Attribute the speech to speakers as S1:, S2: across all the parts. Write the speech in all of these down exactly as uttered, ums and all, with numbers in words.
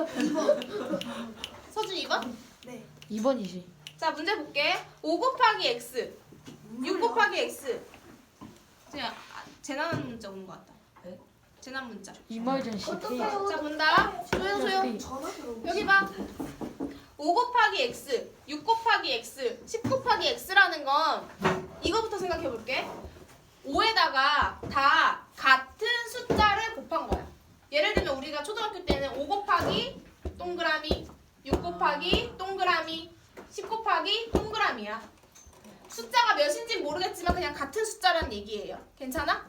S1: 이 번. 서준 이 번?
S2: 네.
S3: 이 번이지.
S1: 자, 문제 볼게. 오 곱하기 x, 육 곱하기 x. 그냥 아, 재난 문자 오는 것 같다.
S4: 네?
S1: 재난 문자.
S3: 이말전 씨.
S1: 자, 본다. 소영, 소영.
S2: 전화 들어오고.
S1: 여기 봐. 오 곱하기 x, 육 곱하기 x, 십 곱하기 x라는 건 이거부터 생각해 볼게. 오에다가 다 같은 숫자를 곱한 거야. 예를 들면 우리가 초등학교 때는 오 곱하기 동그라미, 육 곱하기 동그라미, 십 곱하기 동그라미야. 숫자가 몇인지 모르겠지만 그냥 같은 숫자라는 얘기예요. 괜찮아?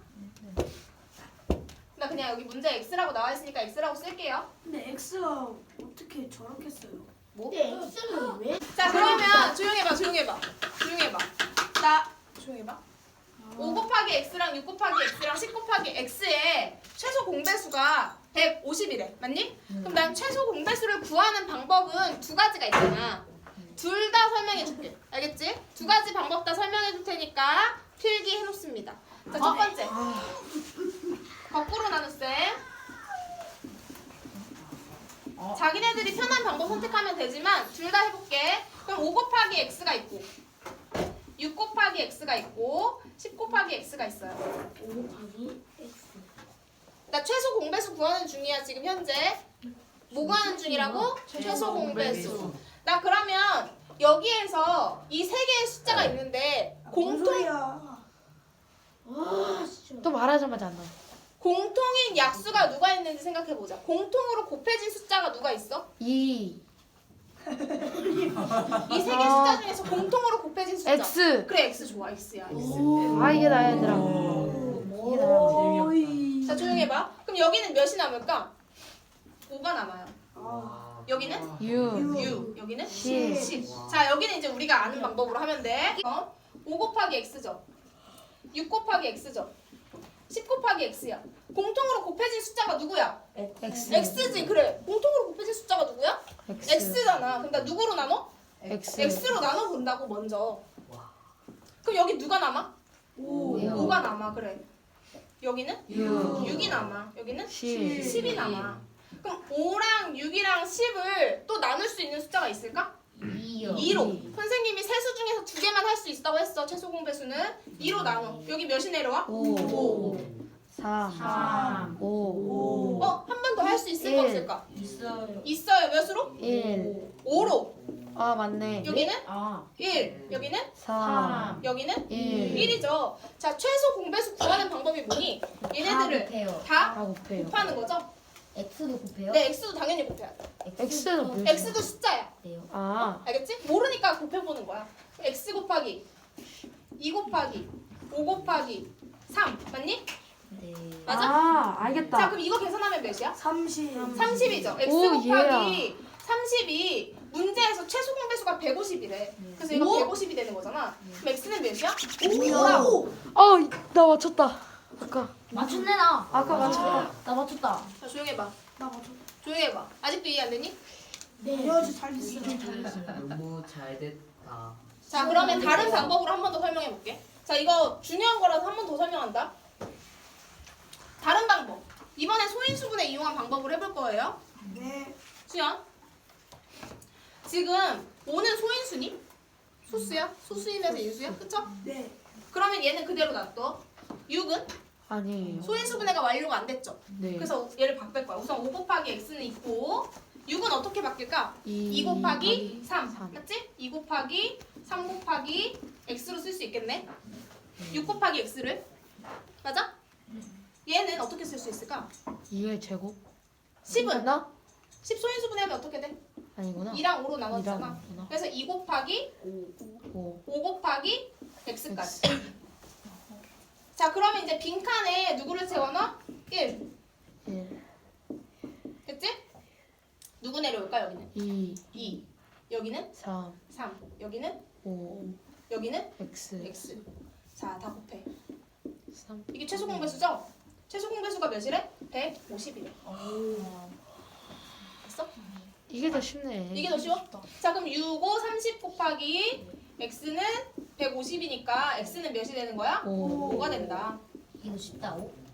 S1: 나 그냥 여기 문제 x라고 나와 있으니까 x라고 쓸게요.
S2: 근데 X가 어떻게 저렇게 써요?
S1: 뭐?
S5: 근데 X는 왜?
S1: 자, 그러면 조용해봐, 조용해봐, 조용해봐. 나 조용해봐. 오 곱하기 x랑 육 곱하기 x랑 십 곱하기 x의 최소 공배수가 백오십이래. 맞니? 그럼 난 최소 공배수를 구하는 방법은 두 가지가 있잖아. 둘 다 설명해 줄게. 알겠지? 두 가지 방법 다 설명해 줄 테니까 필기 해놓습니다. 자, 첫 번째. 거꾸로 나눗셈. 자기네들이 편한 방법 선택하면 되지만 둘 다 해볼게. 그럼 오 곱하기 x가 있고 육 곱하기 x가 있고 십 곱하기 x가 있어요.
S5: 오 곱하기 X.
S1: 나 최소 공배수 구하는 중이야 지금 현재. 뭐 구하는 중이라고? 최소 공배수. 나 그러면 여기에서 이 세 개의 숫자가 있는데
S2: 뭔
S1: 공통
S2: 소리야?
S5: 와 진짜.
S3: 또 말하자마자 안 나와.
S1: 공통인 약수가 누가 있는지 생각해 보자. 공통으로 곱해진 숫자가 누가 있어?
S3: 이.
S1: 이 세 개 숫자 중에서 공통으로 곱해진 숫자.
S3: X.
S1: 그래, x 좋아, x야, x.
S3: 아 이게 나야 얘들아. 이게 나야.
S2: 오이.
S1: 자, 조용히 해봐. 그럼 여기는 몇이 남을까? 오가 남아요.
S2: 아.
S1: 여기는
S3: 유.
S1: 유. 여기는
S3: 십.
S1: 십. 자, 여기는 이제 우리가 아는 방법으로 하면 돼. 어? 오 곱하기 x죠. 육 곱하기 x죠. 십 곱하기 x야. 공통으로 곱해진 숫자가 누구야?
S3: X.
S1: x지. 그래. 공통으로 곱해진 숫자가 누구야?
S3: X.
S1: x잖아. 그럼 나 누구로 나눠?
S3: X.
S1: x로 나눠 본다고 먼저. 그럼 여기 누가 남아?
S2: 오.
S1: 오가 남아. 그래. 여기는
S3: 유.
S1: 육이 남아. 여기는
S3: 십.
S1: 십이 남아. 그럼 오랑 육이랑 십을 또 나눌 수 있는 숫자가 있을까?
S5: 이요.
S1: 이로.
S3: 이.
S1: 선생님이 세수 중에서 두 개만 할 수 있다고 했어. 최소 공배수는 이로 나눠. 여기 몇이 내려와?
S3: 오.
S1: 오.
S3: 삼.
S5: 삼.
S3: 오.
S1: 어? 한 번 더 할 수 있을까
S3: 일.
S1: 없을까?
S5: 있어요.
S1: 있어요. 몇으로?
S3: 일.
S1: 오로.
S3: 아 맞네.
S1: 여기는
S5: 아.
S1: 일. 여기는
S3: 삼.
S1: 여기는
S3: 일.
S1: 일이죠. 자, 최소 공배수 구하는 방법이 뭐니? 얘네들을
S5: 곱해요.
S1: 다
S3: 다 곱해요.
S1: 곱하는 거죠?
S5: X도 곱해요?
S1: 네, x도 당연히 곱해야 돼.
S3: X는 뭐야?
S1: x도 숫자야.
S5: 돼요.
S3: 아.
S1: 알겠지? 모르니까 곱해보는 거야. x 곱하기 이 곱하기 오 곱하기 삼 맞니?
S5: 네.
S1: 맞아?
S3: 아
S1: 자,
S3: 알겠다.
S1: 그럼 이거 계산하면 몇이야?
S2: 삼십.
S1: 삼십이죠. x
S3: 오,
S1: 곱하기 삼십이 문제에서 최소 공배수가 백오십이래. 그래서 이거
S2: 오?
S1: 백오십이 되는 거잖아. 그럼 x는 몇이야?
S2: 오.
S3: 어나 맞췄다. 아까
S5: 맞췄네 나.
S3: 아까 맞췄다.
S5: 나 맞췄다.
S1: 자, 조용히 해봐.
S2: 나 맞췄.
S1: 조용히 해봐. 아직도 이해 안 되니?
S2: 네. 아주 잘 됐어.
S4: 너무 잘 됐다.
S1: 자, 그러면 다른 방법으로 한 번 더 설명해 볼게. 자, 이거 중요한 거라서 한 번 더 설명한다. 다른 방법. 이번에 소인수분해 이용한 방법을 해볼 거예요.
S2: 네.
S1: 수연. 지금 오는 소인수니? 소수야? 소수이면서 인수야? 그쵸?
S2: 네.
S1: 그러면 얘는 그대로 놔둬. 육은
S3: 아니에요.
S1: 소인수분해가 완료가 안 됐죠?
S3: 네.
S1: 그래서 얘를 바꿀 거야. 우선 오 곱하기 x는 있고 육은 어떻게 바뀔까?
S3: 이
S1: 이 곱하기 삼.
S3: 삼.
S1: 맞지? 이 곱하기 삼 곱하기 x로 쓸 수 있겠네. 육 곱하기 x를. 맞아? 얘는 어떻게 쓸 수 있을까?
S3: 이의 제곱?
S1: 십은
S3: 나
S1: 십 소인수분해하면 어떻게 돼?
S3: 아니구나.
S1: 이랑 오로 나눠주잖아.
S3: 이랑구나.
S1: 그래서 이 곱하기
S3: 오.
S1: 오 곱하기 x까지. 자, 그러면 이제 빈칸에 누구를 채워넣어? 일.
S3: 일.
S1: 됐지? 누구 내려올까? 여기는
S3: 이.
S1: 이. 여기는
S3: 삼.
S1: 삼. 여기는
S3: 오.
S1: 여기는
S3: X.
S1: x. 자, 다 곱해.
S3: 삼.
S1: 이게 최소 공배수죠? 최소 공배수가 몇이래? 백오십이래. 됐어?
S3: 이게 더 쉽네.
S1: 이게 더 쉬워? 자, 그럼 육, 오, 삼십 곱하기 x는 백오십이니까 x는 몇이 되는 거야?
S3: 오.
S1: 오가 된다.
S5: 이거 쉽다. 오.